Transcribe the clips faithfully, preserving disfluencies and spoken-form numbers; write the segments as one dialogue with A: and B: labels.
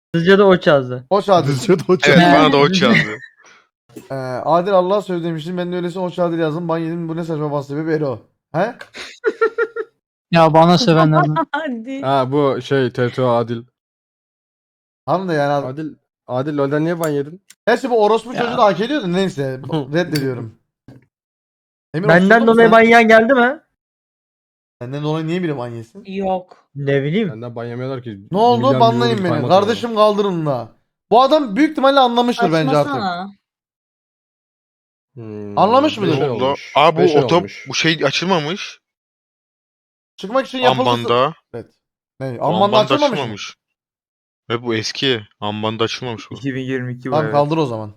A: Sizce de o yazdı.
B: Hoş Adil.
C: Düzce de o
D: Evet
C: çağırdı.
D: bana da o yazdı.
B: Ee, Adil Allah'a söz demiştim. Ben de öylesine Hoş Adil yazdım. Ben yedim, bu ne saçma bas sebebi Ero. He?
E: Ya bana sevenlerden.
F: Hadi.
C: Ha bu şey T T O Adil.
B: Hanım da yani.
C: Adil Adil LoL'den niye ban yedin?
B: Gerçi bu orospu
E: Ya.
B: çocuğu da hak ediyordu. Neyse. Reddediyorum. Emir,
A: Benden
B: oturdun mu
A: dolayı
B: sen?
A: manyak geldi mi?
B: Benden dolayı niye biri ban yesin?
F: Yok.
A: Ne bileyim.
C: Benden ban yemiyorlar ki.
B: Ne oldu?
C: Milyar
B: Banlayın
C: milyonluk
B: beni.
C: kaymak
B: Kardeşim kaldırın da. Bu adam büyük ihtimalle anlamıştır bence artık.
F: Açmasana.
C: Hmm,
B: Anlamış mıdır?
C: beş ay
D: Ne oldu?
C: olmuş.
D: Aa bu
C: Beş ay
D: otop
C: olmuş.
D: bu şey açılmamış.
B: Çıkmak için yapıldı.
D: Ambanda.
B: Evet. Ne?
D: Bu
B: Ambanda
D: Ambanda
B: açılmamış mı?
D: açılmamış. Ve bu eski. Ambanda açılmamış bu.
A: iki bin yirmi iki bu
B: Tamam
A: evet.
B: kaldır o zaman.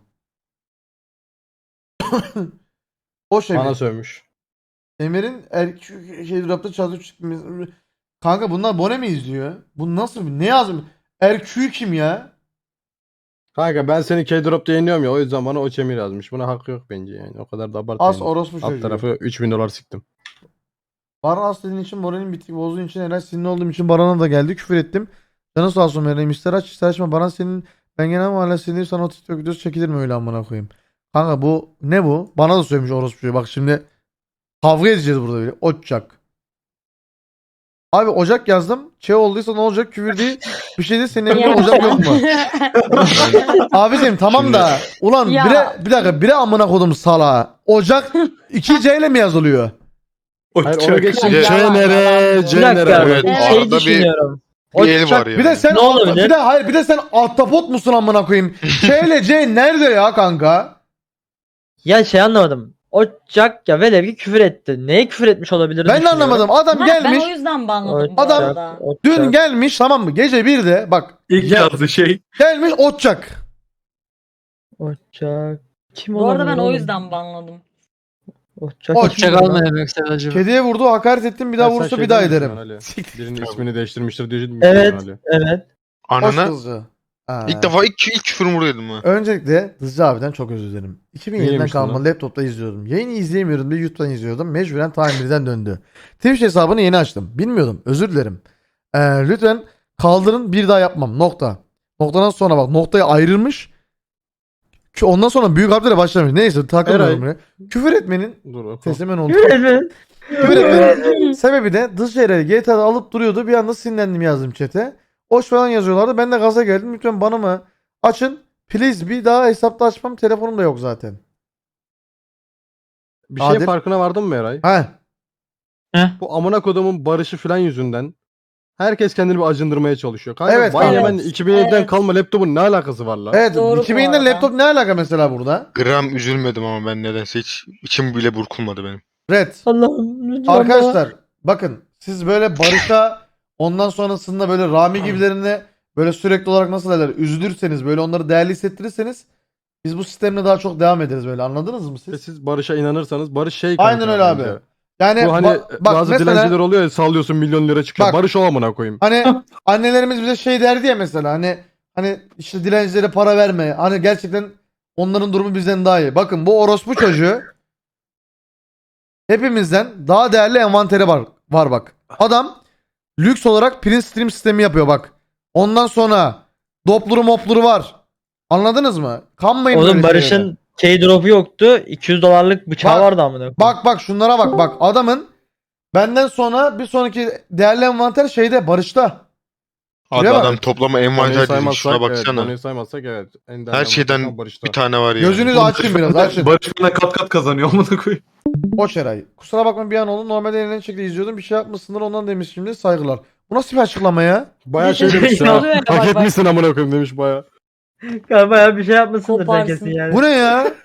B: O şey.
C: Bana sövmüş.
B: Emir'in er şey drapta çalışıyor. Kanka bunlar Bone mi izliyor? Bu nasıl? Ne yazmış? Erkü kim ya?
C: Kanka ben seni K-Drop'ta yeniyorum ya o yüzden bana o çemir yazmış. Buna hakkı yok bence yani. O kadar da
B: As
C: abartmayın.
B: orospu
C: Alt
B: çocuğu.
C: tarafı üç bin dolar siktim.
B: Baran as dediğin için, moralin bittik bozduğun için, helal sinirli olduğum için Baran'a da geldi. Küfür ettim. Canı sağ olsun vereyim. İster aç ister açma. Baran senin, ben genel mahalle sinirliyim, sana o TikTok videosu çekilir mi öyle amına koyayım. Kanka bu ne bu? Bana da söylemiş orospu çocuğu. Bak şimdi kavga edeceğiz burada böyle. Ocak. Abi Ocak yazdım. Şey olduysa ne olacak? Küfür değil. Bir şey değil. Senin evinde Ocak yok mu? Abicim tamam da. Ulan
F: Ya.
B: bire, bir dakika bire amına kodum salağa. Ocak iki C ile mi yazılıyor?
C: Hayır onu geçtim.
D: Bir de-
C: C nere?
A: Bir
C: C
A: dakika.
C: nere?
D: Evet,
A: bir
D: arada
A: şey
D: bir-
A: düşünüyorum.
D: Bir el var yani.
B: Bir de sen
A: Ne olabilir?
B: bir de hayır bir de sen ahtapot musun amına koyayım? Ç ile C nerede ya kanka?
A: Ya şey anlamadım. Ocak ya velev ki küfür etti. Neye küfür etmiş olabilir?
B: Ben de anlamadım. Adam
F: Ha,
B: gelmiş.
F: Ben o yüzden banladım bu
B: Adam-
F: arada.
B: Dün gelmiş tamam mı? Gece birde bak.
G: İlk
B: gel-
G: yazdığı şey.
B: Gelmiş Ocak.
A: Ocak. Kim
F: Bu arada ben
A: olabilir
F: o
A: oğlum?
F: yüzden banladım.
A: Ocak.
B: Ocak.
A: kim
E: Çakal
A: ya?
E: mı demek istedi acaba?
B: Kediye vurdu, hakaret ettim, bir daha
C: Ya sen
B: vurursa
C: şey
B: bir daha
C: demiştin
B: ederim.
C: Ali.
B: Siktir.
C: Birinin ismini değiştirmiştir diye
A: Evet.
C: Ali.
A: Evet.
B: Hoş
D: Anana
B: kızcı. Ha.
D: ilk defa ilk, ilk küfürümü vurdum ha.
B: Öncelikle Dızcı abiden çok özür dilerim. iki bin yediden
C: Neymiş
B: kalma
C: lan?
B: laptopta izliyordum. Yayını izleyemiyordum diye YouTube'dan izliyordum. Mecburen tamirden döndü. Twitch hesabını yeni açtım. Bilmiyordum. Özür dilerim. Ee, lütfen kaldırın, bir daha yapmam. Nokta. Noktadan sonra bak noktayı ayrılmış. Ki ondan sonra büyük harflerle başlamış. Neyse takılmıyorum buraya. Küfür etmenin
C: Dur oku.
B: sesim ben oldu.
A: Küfür etme.
B: Küfür etmenin sebebi de Dızcı'yı G T A'da alıp duruyordu. Bir anda sinirlendim yazdım chat'e. Hoş falan yazıyorlardı. Ben de gaza geldim. Lütfen bana mı açın. Please bir daha hesapta açmam. Telefonum da yok zaten.
C: Bir şeyin
B: Adil.
C: farkına vardın mı Eray?
B: He.
C: Bu amına kodumun barışı filan yüzünden herkes kendini bir acındırmaya çalışıyor. Kanka
B: Evet,
C: ban
B: evet.
C: yemen iki bin yediden
F: Evet.
C: kalma laptopun ne alakası var lan?
B: Evet.
F: Doğru bu
B: iki bin yediden
F: arada.
B: laptop ne alaka mesela burada?
D: Gram üzülmedim ama ben nedense hiç içim bile burkulmadı benim.
B: Red.
A: Allah'ım lütfen.
B: Arkadaşlar bakın siz böyle Barış'a ondan sonrasında böyle Rami gibilerine böyle sürekli olarak nasıl derler üzülürseniz böyle onları değerli hissettirirseniz biz bu sistemle daha çok devam ederiz böyle, anladınız mı
C: Ve
B: siz?
C: siz Barış'a inanırsanız Barış şey
B: Aynen
C: kanka
B: öyle abi.
C: bence.
B: Yani
C: Bu hani
B: ba- bak
C: bazı
B: mesela
C: dilenciler oluyor ya sallıyorsun milyon lira çıkıyor.
B: Bak.
C: Barış o amına koyayım.
B: hani annelerimiz bize şey derdi ya mesela hani hani işte dilencilere para verme. Hani gerçekten onların durumu bizden daha iyi. Bakın bu orospu çocuğu hepimizden daha değerli envanteri var, var bak. Adam lüks olarak print stream sistemi yapıyor bak. Ondan sonra dopluru mopluru var. Anladınız mı? Kanmayın böyle
A: Oğlum
B: şeylere.
A: Barış'ın K-drop'u yoktu. iki yüz dolarlık bıçağı
B: Bak-
A: vardı amına.
B: Bak bak şunlara bak bak. Adamın benden sonra bir sonraki değerli envanter şeyde Barış'ta.
D: Abi
B: Şuraya bak.
D: adam toplama
C: Konuyu
D: envanter dizmiş. Şuna
C: evet,
D: baksana.
C: konuyu saymazsak evet. En değerli
D: Her şeyden
C: envanter Barış'ta.
D: bir tane var ya.
B: Gözünüzü açın biraz açın.
G: Barış bana kat kat kazanıyor amına koyayım.
B: Boş Eray. Kusura bakma bir an oldu. Normalde eğlenceli şekilde izliyordum. Bir şey yapmışsındır ondan demiş şimdi. Saygılar. Bu nasıl bir açıklama ya?
C: Bayağı şey
F: Bir şey
C: demiş ya.
F: oluyor ya,
C: Hak
F: bak, bak.
C: etmişsin amına koyayım demiş bayağı.
A: Ya bayağı bir şey yapmışsındır sen
F: Koparsın.
A: kesin yani.
B: Bu ne ya?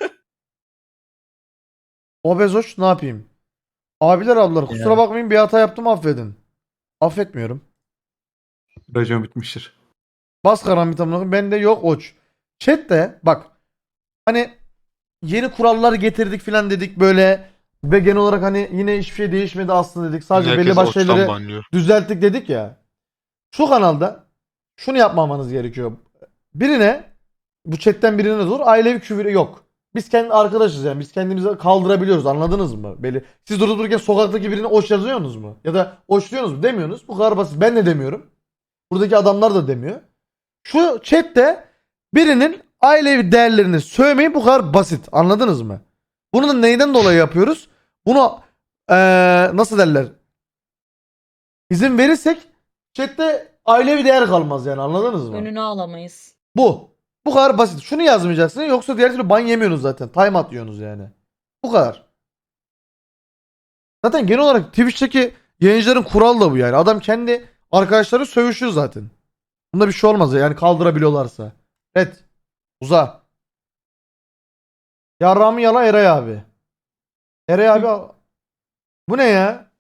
B: Obezoş ne yapayım? Abiler ablalar kusura
A: Ya.
B: bakmayın bir hata yaptım affedin. Affetmiyorum.
G: Racon bitmiştir.
B: Bas karambit amına koyayım. Bende yok oç. Chat'te bak hani yeni kurallar getirdik filan dedik böyle ve genel olarak hani yine hiçbir şey değişmedi aslında dedik. Sadece
D: Herkes
B: belli başlı
D: ottan
B: şeyleri
D: banlıyor.
B: düzelttik dedik ya. Şu kanalda şunu yapmamanız gerekiyor. Birine bu chatten birine dur ailevi küfür yok. Biz kendi arkadaşız yani. Biz kendimizi kaldırabiliyoruz. Anladınız mı? Belli. Siz durup dururken sokaktaki birine oç yazıyorsunuz mu? Ya da oç diyorsunuz mu? Demiyorsunuz. Bu kadar basit. Ben de demiyorum. Buradaki adamlar da demiyor. Şu chatte birinin ailevi değerlerini sövmeyi bu kadar basit. Anladınız mı? Bunu da neyden dolayı yapıyoruz? Bunu eee, nasıl derler? İzin verirsek chatte ailevi değer kalmaz yani, anladınız mı?
F: Önünü alamayız.
B: Bu. Bu kadar basit. Şunu yazmayacaksın yoksa diğer türlü ban yemiyorsunuz zaten. Time out yiyorsunuz yani. Bu kadar. Zaten genel olarak Twitch'teki yayıncıların kuralı da bu yani. Adam kendi arkadaşları sövüşüyor zaten. Bunda bir şey olmaz yani, kaldırabiliyorlarsa. Evet. Uza. Yarrağımı yala Eray abi. Eray abi al- bu ne ya?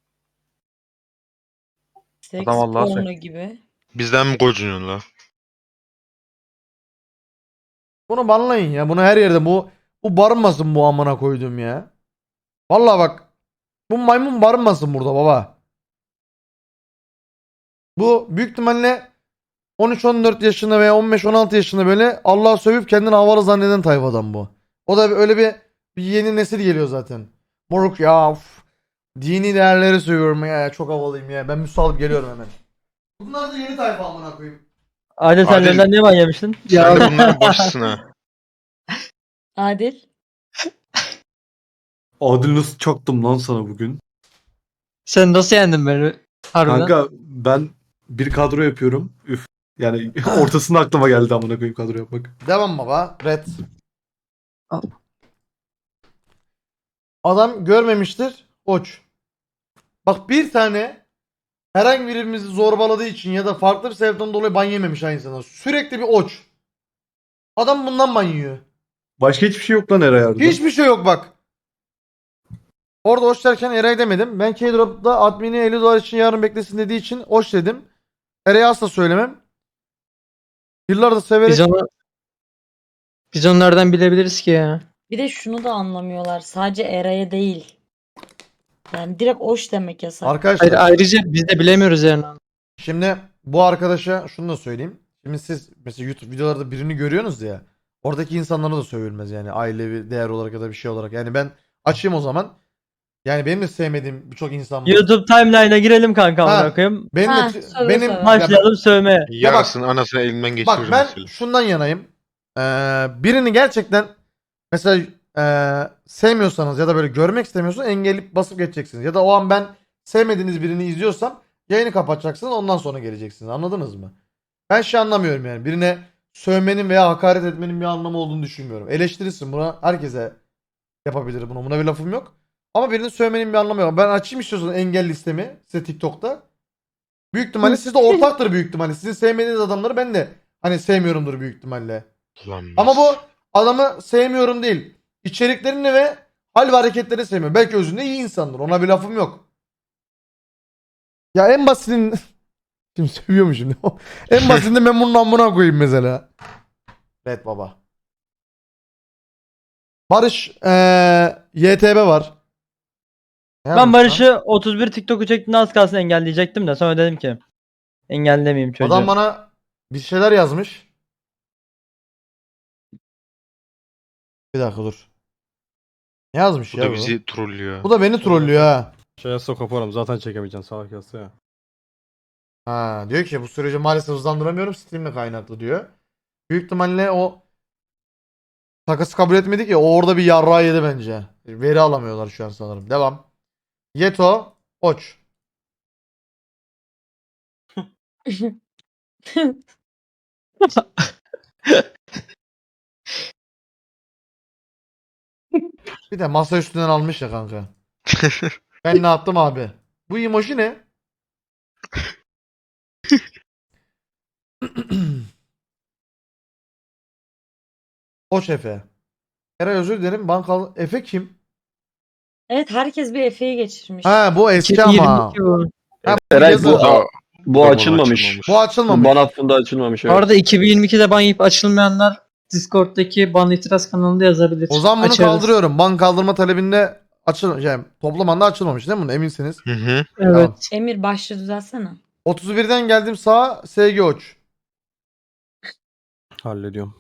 F: Seks
H: Adam Allah'a
F: porno gibi.
D: Bizden mi gocunuyorsun la?
B: Bunu banlayın ya. Bunu her yerde bu bu barınmasın bu amına koydum ya. Vallahi bak. Bu maymun barınmasın burada baba. Bu büyük ihtimalle on üç on dört yaşında veya on beş on altı yaşında böyle Allah'ı sövüp kendini havalı zanneden tayfadan bu. O da öyle bir, bir yeni nesil geliyor zaten. Moruk ya uf. Dini değerleri sövüyorum ya, çok havalıyım ya. Ben müsaade geliyorum hemen. Bunlar da yeni tayfa amına koyayım.
A: Adil sen
D: Adil-
A: LoL'den niye ban yemiştin?
D: Sen de bunların başısın ha.
F: Adil.
G: Adil nasıl çaktım lan sana bugün?
E: Sen nasıl yendin beni? Harbiden.
G: Kanka ben bir kadro yapıyorum. Üf. Yani ortasında aklıma geldi amına koyayım kadro yapmak.
B: Devam baba. Red.
E: Al.
B: Adam görmemiştir. Oç. Bak bir tane herhangi birimizi zorbaladığı için ya da farklı bir sebepten dolayı ban yememiş aynı insana. Sürekli bir oç. Adam bundan ban yiyor.
G: Başka hiçbir şey yok lan Eray Arda.
B: Hiçbir şey yok bak. Orada oç derken Eray demedim. Ben K-Drop'ta admini elli dolar için yarın beklesin dediği için oç dedim. Eray'a asla söylemem. Yıllardır severek...
E: Biz onu biz onlardan bilebiliriz ki ya.
F: Bir de şunu da anlamıyorlar. Sadece Eray'a değil. Yani direkt oş demek yasak.
B: Arkadaşlar
E: Hayır, ayrıca biz de bilemiyoruz yani.
B: şimdi bu arkadaşa şunu da söyleyeyim. Şimdi siz mesela YouTube videolarda birini görüyorsunuz ya. Oradaki insanlara da sövülmez yani, ailevi değer olarak ya da bir şey olarak. Yani ben açayım o zaman. Yani benim de sevmediğim birçok insan var.
A: YouTube timeline'a girelim kanka
B: Ha.
A: amına koyayım.
B: Benim
F: Ha,
B: de
F: söyle
B: benim
F: söyle.
B: ya
A: Başlayalım sövmeye.
D: Yarasını anasını elinden
B: bak,
D: geçiririm
B: bak ben
D: mesela.
B: şundan yanayım. Ee, birini gerçekten mesela ee, sevmiyorsanız ya da böyle görmek istemiyorsanız engelleyip basıp geçeceksiniz. Ya da o an ben sevmediğiniz birini izliyorsam yayını kapatacaksınız, ondan sonra geleceksiniz. Anladınız mı? Ben şey anlamıyorum yani. Birine sövmenin veya hakaret etmenin bir anlamı olduğunu düşünmüyorum. Eleştirirsin, buna herkese yapabilir bunu. Buna bir lafım yok. Ama birinin sövmenin bir anlamı yok. Ben açayım istiyorsanız engel listemi size TikTok'ta. Büyük ihtimalle sizde ortaktır büyük ihtimalle. Sizin sevmediğiniz adamları ben de hani sevmiyorumdur büyük ihtimalle.
D: Ulan
B: Ama bu adamı sevmiyorum değil. İçeriklerini ve hal ve hareketlerini sevmiyorum. Belki özünde iyi insandır. Ona bir lafım yok. Ya en basitinin... Şimdi sövüyormuşum. En basitinde ben bunun amına koyayım mesela. Evet baba. Barış eee Y T B var. Ne
A: Ben
B: yapmış lan?
A: Barış'ı otuz bir TikTok'u çektiğinde az kalsın engelleyecektim de sonra dedim ki engellemeyeyim çocuğu.
B: Adam bana bir şeyler yazmış. Bir dakika dur. Ne yazmış
D: bu
B: ya
D: da
B: bu?
D: bizi trollüyor.
B: Bu da beni trollüyor ha.
C: Şey yazsa koparım zaten çekemeyeceksin salak yazsa ya.
B: Ha, diyor ki bu süreci maalesef hızlandıramıyorum, Steam'le kaynaklı diyor. Büyük ihtimalle o takası kabul etmedi ki, o orada bir yarrağı yedi bence. Veri alamıyorlar şu an sanırım. Devam. Yeto Oç. Bir de masa üstünden almış ya kanka. Ben ne yaptım abi? Bu emoji ne? Oç Efe. Eray özür dilerim. Bankalı Efe kim?
F: Evet, herkes bir Efe'yi geçirmiş.
B: Ha bu eski ama.
E: iki bin yirmi iki bu.
B: Ha,
I: Eray
B: yazı-
I: bu, bu
D: Roman
I: açılmamış.
B: Bu açılmamış.
I: Ban hattında açılmamış.
E: Bu
I: Evet.
E: arada iki bin yirmi ikide ban yiyip açılmayanlar Discord'daki ban itiraz kanalında yazabilir.
B: O zaman bunu
E: Açarız.
B: kaldırıyorum. Ban kaldırma talebinde açıl yani toplamanda açılmamış değil mi bunu, eminsiniz?
D: Hı hı.
E: Evet.
F: Emir başlığı düzelsene.
B: otuz birden geldim sağa, S G Oç.
C: Hallediyorum.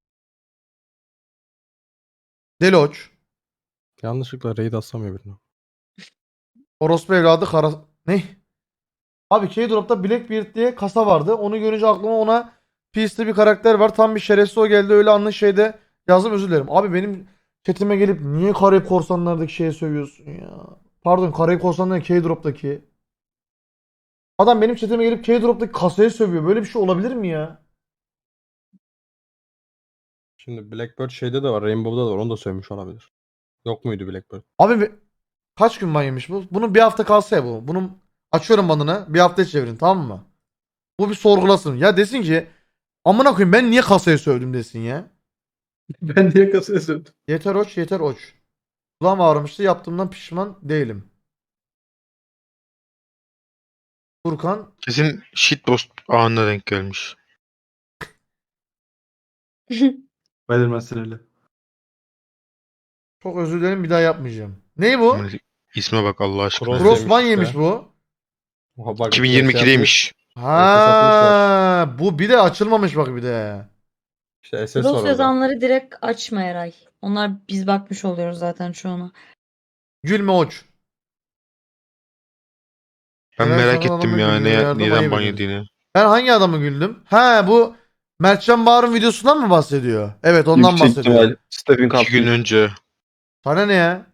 B: Deli Oç.
C: Yanlışlıkla raid aslamıyor birini.
B: Orospu evladı kara... Ne? Abi K-Drop'ta Blackbeard diye kasa vardı. Onu görünce aklıma ona Peace'li bir karakter var. Tam bir şerefsiz o geldi. Öyle anlı şeyde yazdım, özür dilerim. Abi benim chatime gelip niye Karayip Korsanlar'daki şeye sövüyorsun ya? Pardon, Karayip Korsanlar K-Drop'taki. Adam benim chatime gelip K-Drop'taki kasaya sövüyor. Böyle bir şey olabilir mi ya?
C: Şimdi Blackbird şeyde de var. Rainbow'da da var. Onu da sövmüş olabilir. Yok muydu Blackbird?
B: Abi be- kaç gün ban yemiş bu? Bunun bir hafta kalsa ya bu. Bunun açıyorum banını. Bir hafta çevirin, tamam mı? Bu bir sorgulasın. Ya desin ki amına koyayım ben niye kasaya sövdüm desin ya.
G: Ben niye kasaya sövdüm?
B: Yeter oç, yeter oç. Kulağım ağrımıştı, yaptığımdan pişman değilim. Furkan
D: Kesin shitpost anına denk gelmiş.
G: Belirmezsin öyle.
B: çok özür dilerim, bir daha yapmayacağım. Ney bu?
D: Aman, İsme bak Allah aşkına.
C: Cross-
B: Cross ban
C: yemiş
B: yemiş
C: işte.
B: bu.
C: Oha bak,
D: iki bin yirmi ikideymiş.
B: Ha, bu bir de açılmamış bak bir de.
C: İşte S S var
F: Cross
C: orada.
F: yazanları direkt açma Eray. Onlar biz bakmış oluyoruz zaten çoğuna.
B: Gülme oç.
D: Ben
B: Neden
D: merak
B: sana
D: ettim
B: adamı
D: ya
B: gülüyor,
D: ne,
B: yardım
D: neden
B: ayıp
D: ban
B: ediyorsun.
D: yediğini.
B: Ben hangi adamı güldüm? Ha, bu Mertcan Bağır'ın videosundan mı bahsediyor? Evet, ondan
H: Yüksek
B: bahsediyor.
H: ihtimal Stephen
D: İki
H: Curry.
D: gün önce.
B: Sana ne ya?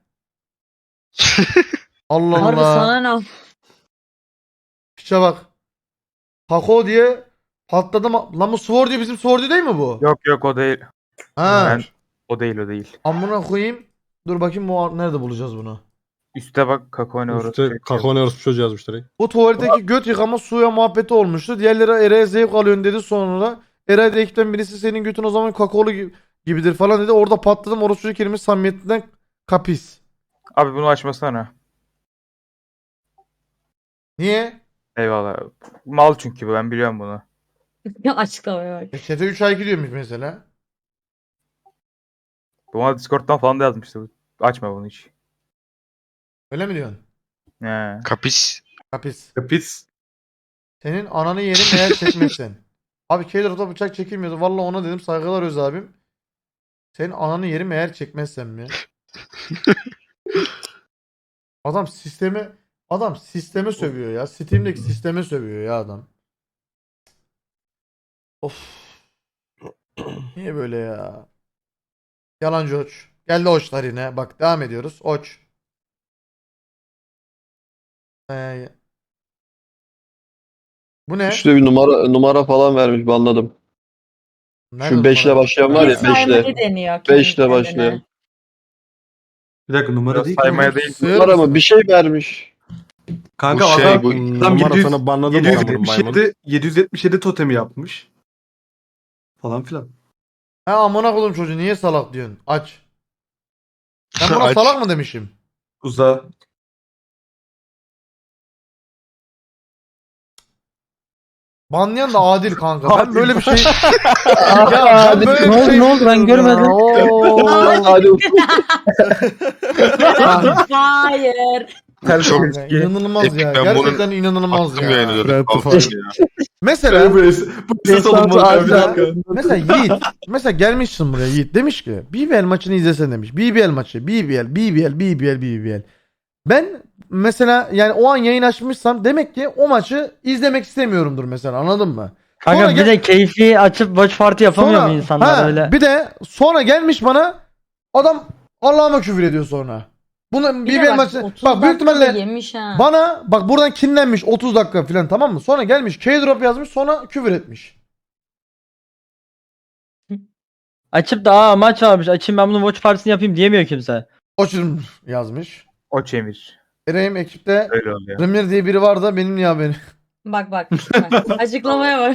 B: Allah
F: Harbi
B: Allah.
F: sana ne?
B: Piçe bak. Taco diye patladım. Lan bu Sword diye bizim Sword değil mi bu?
I: Yok yok o değil.
B: Ha.
I: Ben- O değil o değil.
B: Amına koyayım. Dur bakayım bu nerede bulacağız bunu?
I: Üste bak kakao ne orası.
C: Üstte kakao ne orası çocuğu yazmış direkt.
B: Bu tuvaletteki göt yıkama suya muhabbeti olmuştu. Diğerleri Eray'a zevk alıyorsun dedi sonra. Eray da ekipten birisi senin götün o zaman kakaolu gi- gibidir falan dedi. Orada patladım. Orası çocuk kelime samimiyetinden kapis.
I: Abi bunu açmasana.
B: Niye?
I: Eyvallah. Mal çünkü bu, ben biliyorum bunu.
F: Ya açıklamaya bak.
B: E, chat'e üç ay gidiyormuş mesela.
I: Bu bana Discord'dan falan da yazmıştı. Açma bunu hiç.
B: Öyle mi diyorsun?
I: He.
D: Kapis.
B: Kapis.
G: Kapis.
B: Senin ananı yerim eğer çekmezsen. Abi K-Drop'ta bıçak çekilmiyordu. Vallahi ona dedim, saygılar Öz abim. Senin ananı yerim eğer çekmezsem mi? Adam sistemi adam sisteme sövüyor ya. Steam'deki sisteme sövüyor ya adam. Of. Niye böyle ya? Yalancı oç. Geldi oçlar yine. Bak devam ediyoruz. Oç. Ee, bu ne?
H: İşte bir numara numara falan vermiş, banladım.
B: Nerede
H: Şu beş ile
B: numara?
H: başlayan var ya,
F: Bir saymayı
H: beş ile.
F: deniyor kendi
H: beş ile
F: kendine.
H: başlayan.
G: Bir dakika numara
I: Biraz
G: değil ki.
I: saymaya
G: oğlum.
I: değil.
B: Sığır
H: Numara
B: mısın?
H: mı? Bir şey vermiş.
G: Kanka
D: Bu şey,
G: adam,
D: bu-
G: adam
C: Numara
G: yedi yüz
C: sana banladım mı maymun?
G: yedi yüz yetmiş yedi yedi yüz yetmiş yedi totemi yapmış. Falan filan.
B: Ha, amına koydum çocuğu, niye salak diyorsun? Aç. Ben buna
D: Aç.
B: salak mı demişim?
G: Uza.
B: Banlayan da adil kanka. Ben
G: Adil.
B: böyle bir şey... ya ben böyle
E: Ne
B: bir
E: oldu,
B: şey...
E: ne oldu? Ben görmedim.
B: Oo.
H: Hadi.
F: Hayır.
D: Çok
B: Ya, İnanılmaz
D: Epic,
B: ya.
D: ben
B: Gerçekten inanılmaz
D: attım
B: ya.
D: yani dedim.
G: Brent
D: Altı
G: falan.
D: ya.
B: Mesela
G: Bu es- bu ses olunmaz ya, bir dakika.
B: mesela Yiğit mesela gelmişsin buraya, Yiğit demiş ki B B L maçını izlesen demiş. B B L maçı, B B L, B B L, B B L, B B L. Ben mesela yani o an yayın açmışsam demek ki o maçı izlemek istemiyorumdur mesela, anladın mı?
A: Kanka
B: Sonra
A: bir
B: gel-
A: de keyfi açıp watch party yapamıyor mu insanlar
B: ha,
A: öyle?
B: Bir de sonra gelmiş bana adam Allah'ıma küfür ediyor sonra. Bunu
F: Bir
B: B
F: de
B: B L
F: bak,
B: maçı
F: otuz
B: bak büyük
F: dakika da
B: ihtimalle
F: yemiş ha.
B: bana bak buradan kinlenmiş otuz dakika falan, tamam mı? Sonra gelmiş K-Drop yazmış, sonra küfür etmiş.
A: Açıp da aa maç varmış açayım ben bunun watch party'sini yapayım diyemiyor kimse.
B: Oçum yazmış.
I: O çemir.
B: Eray'ım ekipte
I: Öyle oluyor.
B: Premier diye biri var da benim ya beni.
F: Bak bak. bak. Açıklamaya bak.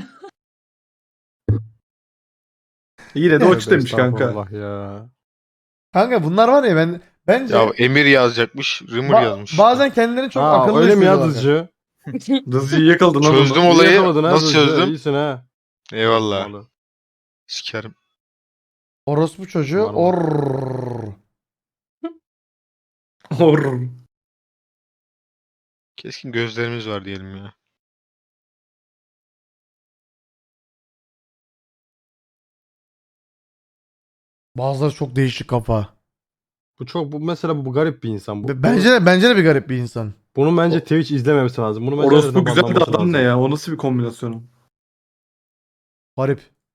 G: Yine de
C: Tövbe
G: oç demiş kanka.
C: estağfurullah ya.
B: Kanka bunlar var ya, ben bence
D: Ya Emir yazacakmış. Rimur
B: ba-
D: yazmış.
B: bazen kendilerini çok
C: Ha,
B: akıllı
C: öyle mi ya
B: hissediyorlar.
C: dızcı?
G: Dızcıyı yakaladın lan
D: Çözdüm
G: onu.
D: olayı.
C: Yapamadın ha
D: Nasıl
C: dızcı,
D: çözdüm?
C: İyisin ha.
D: Eyvallah.
C: Vallahi.
D: Sikerim.
B: Orospu çocuğu
C: Var mı?
B: or.
G: Hor.
D: Keskin gözlerimiz var diyelim ya.
B: Bazıları çok değişik kafa.
C: Bu çok bu mesela bu garip bir insan bu.
B: B- Bence de bence de bir garip bir insan.
C: Bunun bence Twitch izlememesi lazım. Bunu bence
G: Orospu
C: nereden
G: güzel de
C: banlaması
G: adam
C: lazım.
G: ne ya? O nasıl bir kombinasyon?
B: Garip.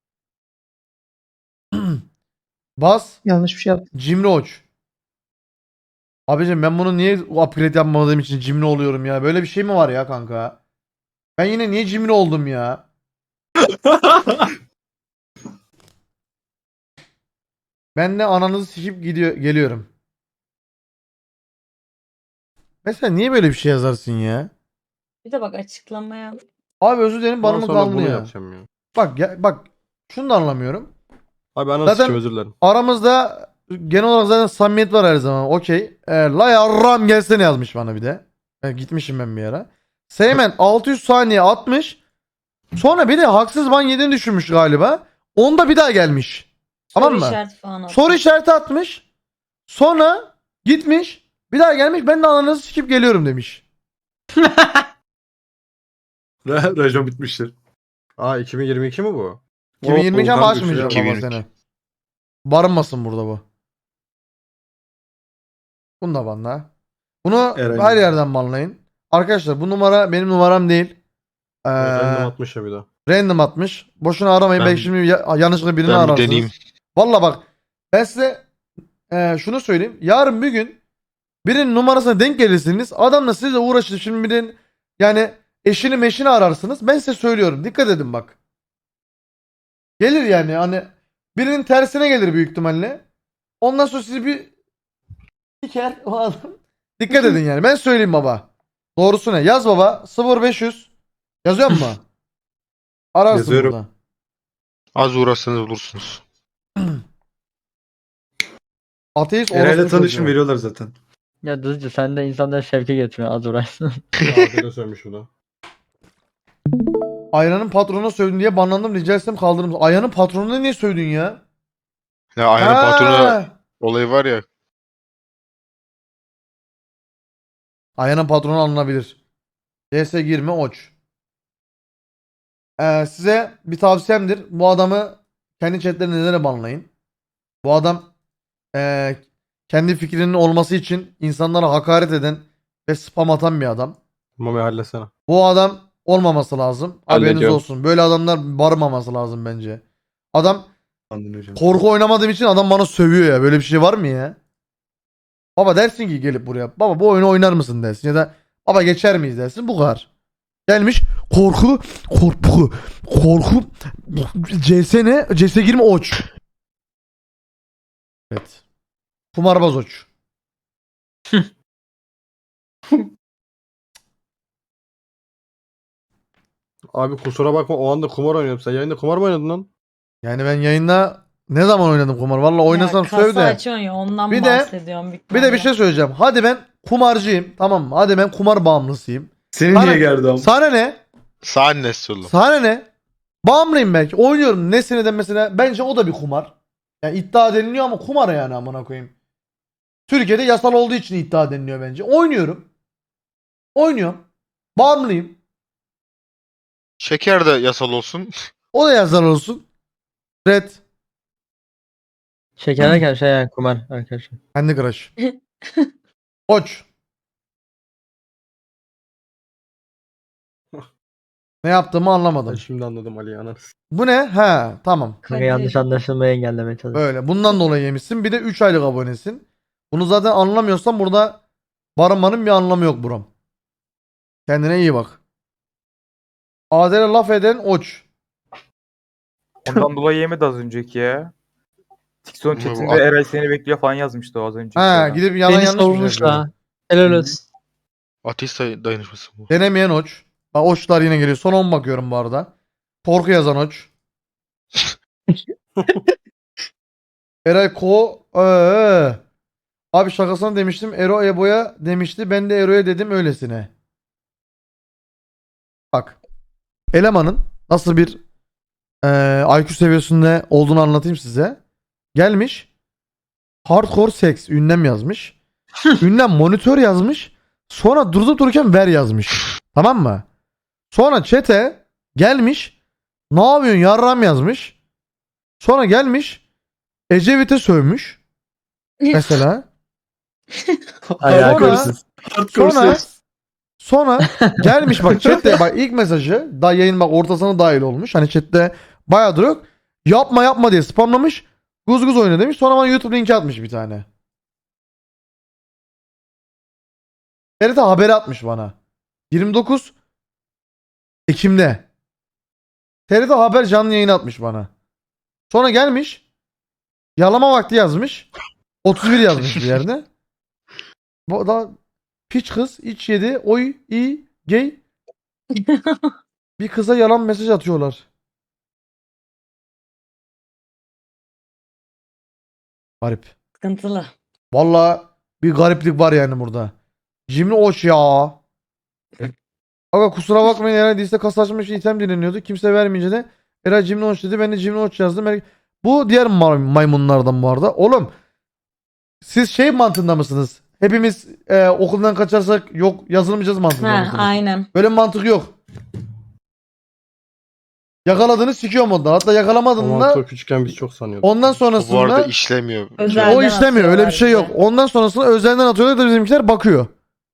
B: Bas.
E: Yanlış bir şey yaptım.
B: Cimri Oç. Abicim ben bunu niye upgrade yapmadığım için cimri oluyorum ya? Böyle bir şey mi var ya kanka? Ben yine niye cimri oldum ya? Ben de ananızı sikip gidiyor geliyorum. Mesela niye böyle bir şey yazarsın ya?
F: Bir de bak açıklamaya.
B: Abi özür dilerim bana
C: Bundan
B: mı
C: sonra
B: kaldı
C: bunu
B: ya?
C: yapacağım ya.
B: Bak ya, bak şunu da anlamıyorum.
C: Abi anasını
B: Zaten-
C: sikeyim, özür dilerim.
B: Aramızda genel olarak zaten samimiyet var her zaman. Okey. E, la yarram gelsene yazmış bana bir de. E, gitmişim ben bir ara. Seymen altı yüz saniye atmış. Sonra bir de haksız ban yediğini düşünmüş galiba. Onda bir daha gelmiş. Tamam
F: Soru
B: mı?
F: işareti falan atmış.
B: Soru işareti atmış. Sonra gitmiş. Bir daha gelmiş. Ben de ananızı sikip geliyorum demiş.
G: Re Rejon bitmiştir.
C: Aa iki bin yirmi iki mi bu?
B: iki bin yirmi iki ama
G: Volkan
B: açmayacağım
G: düşüyor.
B: ama
D: iki bin yirmi iki.
B: seni. Barınmasın burada bu. Bunu da banla. Bunu
G: Eren
B: her
G: gibi.
B: yerden banlayın. Arkadaşlar bu numara benim numaram değil. Ee,
C: Random atmış ya bir daha.
B: random atmış. Boşuna aramayın.
D: Ben-
B: Belki şimdi ya- yanlışlıkla birini
D: Ben bir
B: ararsınız.
D: deneyeyim.
B: Valla bak ben size e, şunu söyleyeyim. Yarın bir gün birinin numarasına denk gelirsiniz. Adamla sizle uğraşır. Şimdi birinin yani eşini meşini ararsınız. Ben size söylüyorum. Dikkat edin bak. Gelir yani hani birinin tersine gelir büyük ihtimalle. Ondan sonra sizi bir diker o adam. Dikkat edin yani. Ben söyleyeyim baba. Doğrusu ne? Yaz baba. sıfır beş yüz. Yazıyor mu? Ararsın
G: Yazıyorum.
B: burada.
D: Az uğraşsanız bulursunuz.
B: Ateist
G: Eray'la
B: orospu
G: tanışım
B: çocuğu.
G: veriyorlar zaten.
A: Ya Dızcı sen de insanları şevke getiriyorsun az uğraşsın.
C: Arkada sönmüş bu da.
B: Ayran'ın patronuna sövdün diye banlandım. Rica etsem kaldırır mısın? Ayran'ın patronuna niye sövdün ya?
D: Ya aynen
B: Ha!
D: patronu olayı var ya.
B: Ayran'ın patronu alınabilir. D S girme oç. Ee, size bir tavsiyemdir. Bu adamı kendi chatlerinizde de banlayın. Bu adam ee, kendi fikrinin olması için insanlara hakaret eden ve spam atan bir adam.
C: Mami halletsene.
B: Bu adam olmaması lazım. Haberiniz
H: Hallediyorum.
B: olsun. Böyle adamlar barmaması lazım bence. Adam
G: Anladın hocam.
B: korku oynamadığım için adam bana sövüyor ya. Böyle bir şey var mı ya? Baba dersin ki gelip buraya. Baba bu oyunu oynar mısın dersin. Ya da baba geçer miyiz dersin. Bu kadar. Gelmiş korku korku korku C S ne? C S girme oç. Evet. Kumarbaz oç.
C: Abi kusura bakma o anda kumar oynuyorum. Sen yayında kumar mı oynadın lan?
B: Yani ben yayında ne zaman oynadım kumar? Valla oynasam
F: ya, kasa
B: söv de.
F: açıyorsun ya ondan
B: Bir de-
F: bahsediyorum. büyük
B: Bir de bir
F: ihtimalle.
B: şey söyleyeceğim. Hadi ben kumarcıyım. Tamam mı? Hadi ben kumar bağımlısıyım.
G: Seni
B: Bana-
G: niye gerdi am?
B: Sana ne?
D: Sahne oğlum.
B: Sana ne? Bağımlıyım belki. Oynuyorum. Ne seneden mesela. Bence o da bir kumar. Yani iddia deniliyor ama kumar yani amına koyayım. Türkiye'de yasal olduğu için iddia deniliyor bence. Oynuyorum. Oynuyorum. Bağımlıyım.
D: Şeker de yasal olsun.
B: O da yasal olsun. Red.
A: Şeker derken şey yani kumar arkadaşlar.
B: Kendi crush. Koç. Ne yaptığımı
C: Ben
B: anlamadım.
C: şimdi anladım Ali ananı.
B: Bu ne? Ha, tamam.
A: Kanka
F: Kadir.
A: yanlış anlaşılmayı engellemeye çalışıyorum.
B: Böyle. Bundan dolayı yemişsin. Bir de üç aylık abonesin. Bunu zaten anlamıyorsan burada barınmanın bir anlamı yok buram. Kendine iyi bak. Adele laf eden oç.
I: Ondan dolayı yemedi az önceki ya. TikTok'un
D: Bu-
I: chatinde Eray seni bekliyor falan yazmıştı o az önce.
B: Ha, gidip yalan
E: Beni
B: yanlış bir şey
E: savunmuş
B: yapıyor.
E: la. Helal olsun.
D: Ateist day- dayanışması bu.
B: Denemeyen oç. Bak oçlar yine geliyor. Son on bakıyorum bu arada. Korku yazan oç. Eray Ko. Ee. Abi şakasına demiştim. Ero Ebo'ya demişti. Ben de Ero'ya dedim öylesine. Bak. Elemanın nasıl bir eee I Q seviyesinde olduğunu anlatayım size. Gelmiş. Hardcore sex ünlem yazmış. Ünlem monitör yazmış. Sonra durup dururken ver yazmış. Tamam mı? Sonra chat'e gelmiş. Ne yapıyorsun yarram yazmış. Sonra gelmiş. Ecevit'e sövmüş. Mesela.
A: Alakasız.
B: Sonra,
G: Hardcore
B: sonra,
G: sex.
B: sonra gelmiş bak chatte bak ilk mesajı daha yayın bak ortasına dahil olmuş. Hani chatte bayağıdır yok. Yapma yapma diye spamlamış. Guz guz oyna demiş. Sonra bana YouTube linki atmış bir tane. T R T haberi atmış bana. yirmi dokuz Ekim'de. T R T haber canlı yayın atmış bana. Sonra gelmiş. Yalama vakti yazmış. otuz bir yazmış bir yerde. Bu da piç kız iç yedi oy i gay. Bir kıza yalan mesaj atıyorlar. Garip.
F: Sıkıntılı.
B: Vallahi bir gariplik var yani burada. Cimri hoş ya. Aga kusura bakmayın Eray değilse kasa açmak için item dileniyordu. Kimse vermeyince de Eray Cimri hoş dedi. Ben de Cimri hoş yazdım. Er- Bu diğer ma- maymunlardan bu arada. Oğlum siz şey mantığında mısınız? Hepimiz e, okuldan kaçarsak yok yazılmayacağız mantığında
F: Ha,
B: mısınız?
F: aynen.
B: Böyle bir mantık yok. Yakaladığını sikiyor modlar. Hatta
C: O
B: yakalamadığında
C: mantığı küçükken biz çok sanıyorduk.
B: ondan
D: Bu bu arada
B: sonrasında
D: işlemiyor.
F: Özelden
B: o işlemiyor. Öyle bir şey yok.
F: atıyorlar
B: Ondan sonrasında özelden atıyorlar da bizimkiler bakıyor.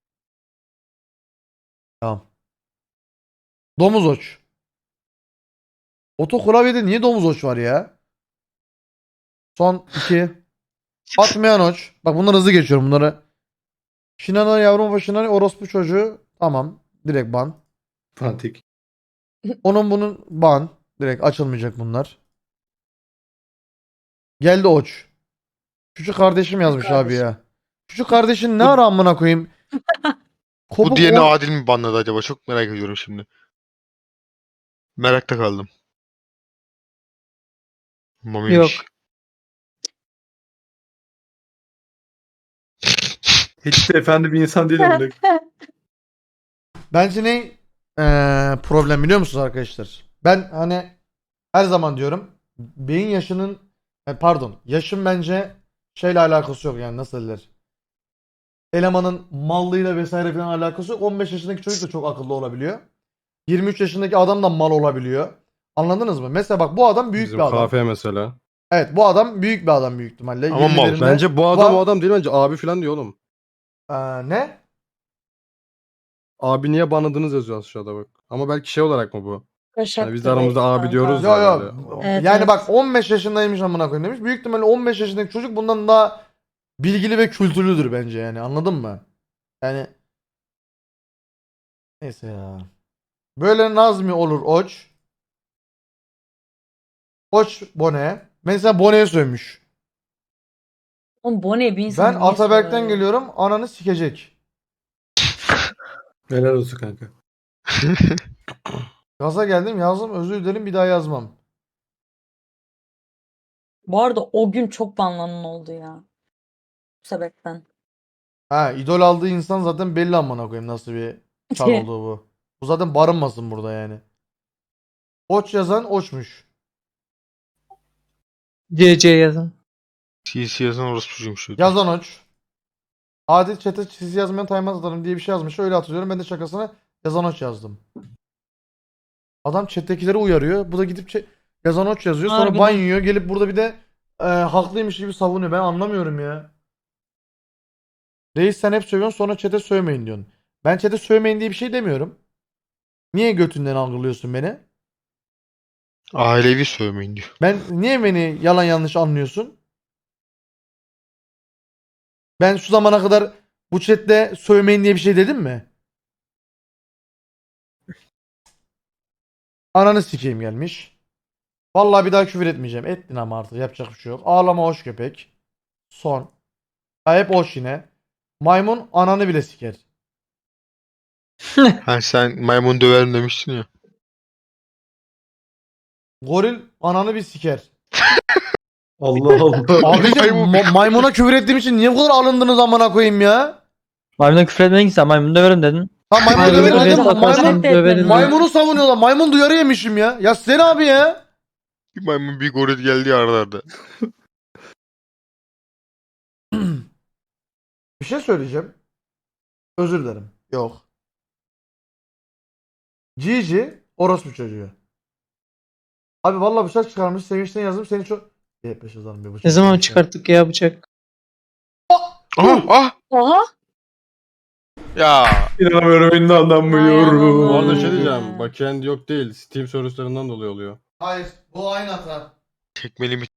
B: Tamam. Domuz oç. Oto klavyede niye domuz oç var ya? Son iki. Atmayan oç. Bak bunları hızlı geçiyorum bunları. Şinana yavrum başına orospu çocuğu. Tamam. Direkt ban.
G: Fanatik.
B: Onun bunun ban. Direkt açılmayacak bunlar. Geldi oç. Küçük kardeşim yazmış abi ya. Küçük kardeşin ne ara amına koyayım?
D: Bu
B: Kopuk
D: diğerini
B: on-
D: adil mi banladı acaba? Çok merak ediyorum şimdi. Merakta kaldım. Mami'miş.
E: Yok.
G: Hiç de efendi bir insan değil amına.
B: Bence ne eee, problem biliyor musunuz arkadaşlar? Ben hani her zaman diyorum beyin yaşının e, pardon yaşın bence şeyle alakası yok yani nasıl derler. Elemanın mallığıyla vesaire falan alakası yok. on beş yaşındaki çocuk da çok akıllı olabiliyor. yirmi üç yaşındaki adam da mal olabiliyor. Anladınız mı? Mesela bak bu adam büyük
C: Bizim
B: bir adam.
C: kahve mesela.
B: Evet bu adam büyük bir adam büyük ihtimalle.
D: Ama mal.
B: yirmilerinde.
C: Bence bu adam
B: Bu-
C: o adam değil, bence abi falan diyor oğlum.
B: Eee, ne?
C: Abi niye banladınız yazıyor aşağıda bak. Ama belki şey olarak mı bu?
F: Kaşak
C: Yani biz de
F: da
C: aramızda
F: belki
C: abi
F: kanka.
C: diyoruz
B: Yo
C: ya
B: yo.
C: böyle.
F: Evet,
B: yani
F: evet.
B: bak on beş yaşındaymış amına koyayım demiş. Büyük ihtimalle on beş yaşındaki çocuk bundan daha bilgili ve kültürlüdür bence yani. Anladın mı? Yani neyse ya. Böyle Nazmi olur oç. Oç Bone. Mesela Bone'ye sövmüş.
F: Oğlum bu ne bir insan
B: Ben
F: niye
B: Ataberk'ten
F: soruyor?
B: geliyorum. Ananı sikecek.
G: Helal olsun kanka.
B: Gaza geldim yazdım özür dilerim bir daha yazmam.
F: Bu arada o gün çok banlanan oldu ya. Bu sebepten.
B: Ha idol aldığı insan zaten belli amına koyayım nasıl bir çar olduğu bu. Bu zaten barınmasın burada yani. Oç yazan oçmuş.
E: C C yazın.
D: C C yazan orospucuymuş.
B: Yazan oç. Adil chat'e siz yazmayan timeout atarım diye bir şey yazmış. Öyle hatırlıyorum. Ben de şakasına yazan oç yazdım. Adam chat'tekileri uyarıyor. Bu da gidip chat- yazan oç yazıyor. Sonra
F: Harbiden.
B: ban yiyor. Gelip burada bir de e, haklıymış gibi savunuyor. Ben anlamıyorum ya. Reis sen hep sövüyorsun sonra chat'e sövmeyin diyorsun. Ben chat'e sövmeyin diye bir şey demiyorum. Niye götünden algılıyorsun beni?
D: Ailevi sövmeyin diyor.
B: Ben niye beni yalan yanlış anlıyorsun? Ben şu zamana kadar bu chatte sövmeyin diye bir şey dedim mi? Ananı sikeyim gelmiş. Vallahi bir daha küfür etmeyeceğim. Ettin ama artık yapacak bir şey yok. Ağlama hoş köpek. Son. Ha, hep hoş yine. Maymun ananı bile siker.
D: Ha sen maymun döverim demiştin ya.
B: Goril ananı bir siker.
G: Allah Allah.
B: Abicim
D: Maymun-
B: ma- maymuna küfür ettiğim için niye bu kadar alındınız amına koyayım ya?
A: Maymuna küfür etmedin ki sen maymunu döverim dedin.
B: Ha maymunu
E: Maymunu
B: döverim
E: döverim,
B: dedim.
E: atarsın,
B: Maymun,
E: döverim.
B: maymunu savunuyorlar. Maymun duyarı yemişim ya. Ya sen abi ya.
D: Bir maymun bir goril geldi ya arada arada.
B: Bir şey söyleyeceğim. Özür dilerim. Yok. Cici orospu çocuğu. Abi vallahi bıçak çıkarmış. Sevinçten yazdım. Seni çok... Yep beş yazalım bir bıçak.
E: Ne zaman
B: çıkarmış ya.
E: çıkarttık ya bıçak?
D: Aha ah!
F: Oha.
D: Ya
G: İnanamıyorum, inanamıyorum.
C: Bu arada şey
F: Hmm.
C: diyeceğim. Backend yok değil. Steam servislarından dolayı oluyor.
B: Hayır. Bu aynı hata.
D: tekmeli mi